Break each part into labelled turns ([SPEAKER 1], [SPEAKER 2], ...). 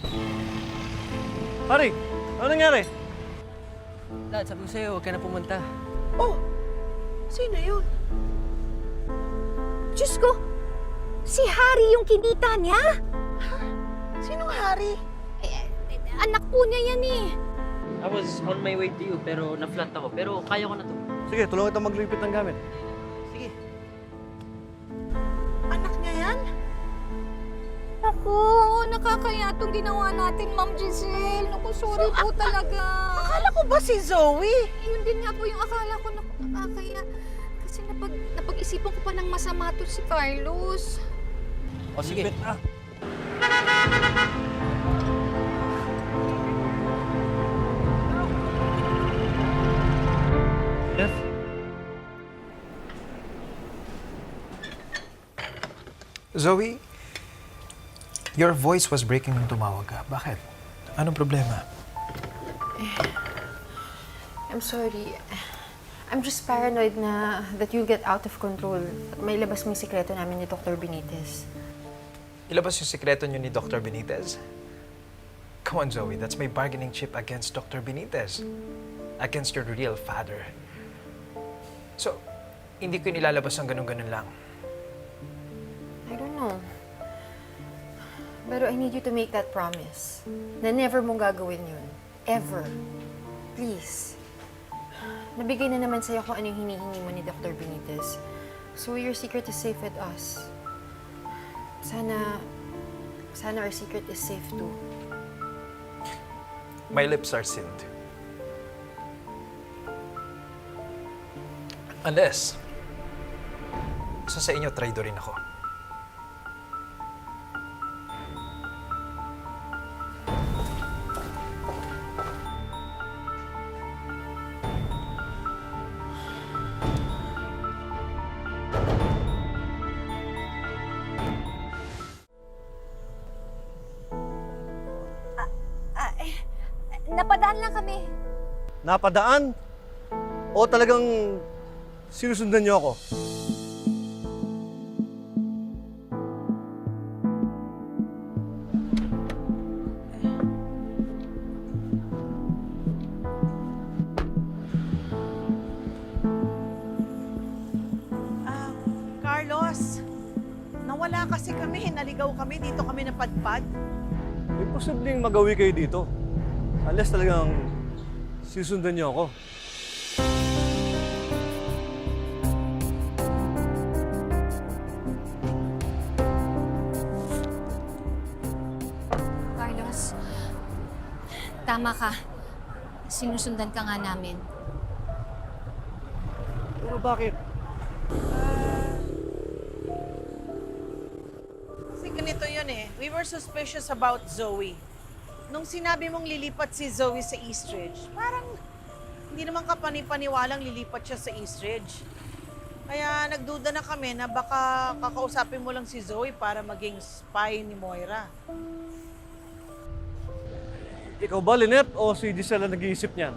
[SPEAKER 1] Pare, ano nangyari?
[SPEAKER 2] Dad, sabi ko sa'yo, huwag ka na pumunta.
[SPEAKER 3] Oh, sino yun? Diyos ko, si Harry yung kinita niya? Sinong Harry? Anak po niya yan eh.
[SPEAKER 2] I was on my way to you, pero na-flat ako. Pero kaya ko na to.
[SPEAKER 1] Sige, tulungan kita maglipit ng gamit.
[SPEAKER 2] Sige.
[SPEAKER 3] Anak niya yan?
[SPEAKER 4] Naku, nakakaya itong ginawa natin, Ma'am Giselle. Naku, sorry po talaga.
[SPEAKER 3] Akala ko ba si Zoe?
[SPEAKER 4] Yun din nga po yung akala ko, naku, nakakaya. Kasi napag-isipan ko pa ng masama to si Carlos.
[SPEAKER 2] O sige.
[SPEAKER 1] Lipit na. Jeff?
[SPEAKER 5] Zoe, your voice was breaking nung tumawag ka. Bakit? Anong problema?
[SPEAKER 6] I'm sorry. I'm just paranoid na that you'll get out of control. At may labas mo yung sikreto namin ni Dr. Benitez.
[SPEAKER 5] Ilabas yung sikreto niyo ni Dr. Benitez? Come on, Zoe. That's my bargaining chip against Dr. Benitez. Against your real father. So, hindi ko nilalabas ang ganun-ganun lang.
[SPEAKER 6] I don't know. Pero I need you to make that promise. Na never mong gagawin yun. Ever. Please. Nabigay na naman sa'yo kung ano yung hinihingi mo ni Dr. Benitez. So your secret is safe with us. Sana our secret is safe too.
[SPEAKER 5] My lips are sealed. Unless, sa inyo, traidorin ako.
[SPEAKER 4] Napadaan lang kami.
[SPEAKER 1] Napadaan? O talagang sinusundan niyo ako?
[SPEAKER 3] Carlos, nawala kasi kami. Naligaw kami. Dito kami napadpad.
[SPEAKER 1] May posibleng magawi kayo dito. Unless talagang sinusundan niyo ako.
[SPEAKER 4] Carlos, tama ka. Sinusundan ka nga namin.
[SPEAKER 1] Pero bakit?
[SPEAKER 3] Kasi ganito yun eh. We were suspicious about Zoe. Nung sinabi mong lilipat si Zoe sa Eastridge, parang hindi naman kapani-paniwalang lilipat siya sa Eastridge. Kaya nagduda na kami na baka kakausapin mo lang si Zoe para maging spy ni Moira.
[SPEAKER 1] Ikaw ba, Lynette, o si Giselle ang nag-iisip niyan?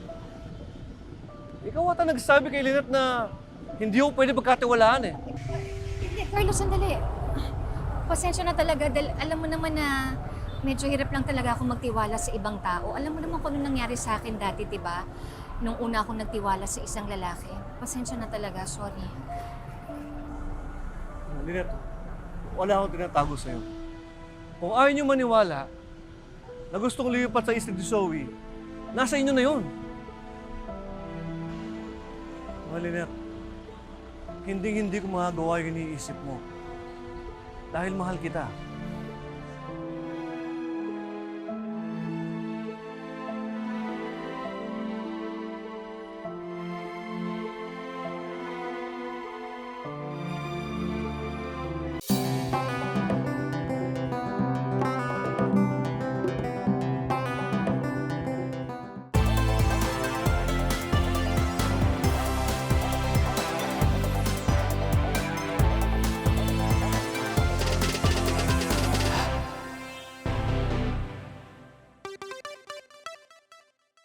[SPEAKER 1] Ikaw ata nagsabi kay Lynette na hindi ko pwede pagkatiwalaan eh.
[SPEAKER 4] Hindi, Carlos, sandali. Pasensya na talaga dahil alam mo naman na medyo hirap lang talaga ako magtiwala sa ibang tao. Alam mo naman kung ano nangyari sa akin dati, di ba? Nung una akong nagtiwala sa isang lalaki. Pasensya na talaga, sorry.
[SPEAKER 1] Lynette, wala akong tinatago sa'yo. Kung ayaw niyo maniwala na gustong lipat sa isla ni Zoe, nasa inyo na yun. Lynette, hindi ko magagawa yung iniisip mo. Dahil mahal kita.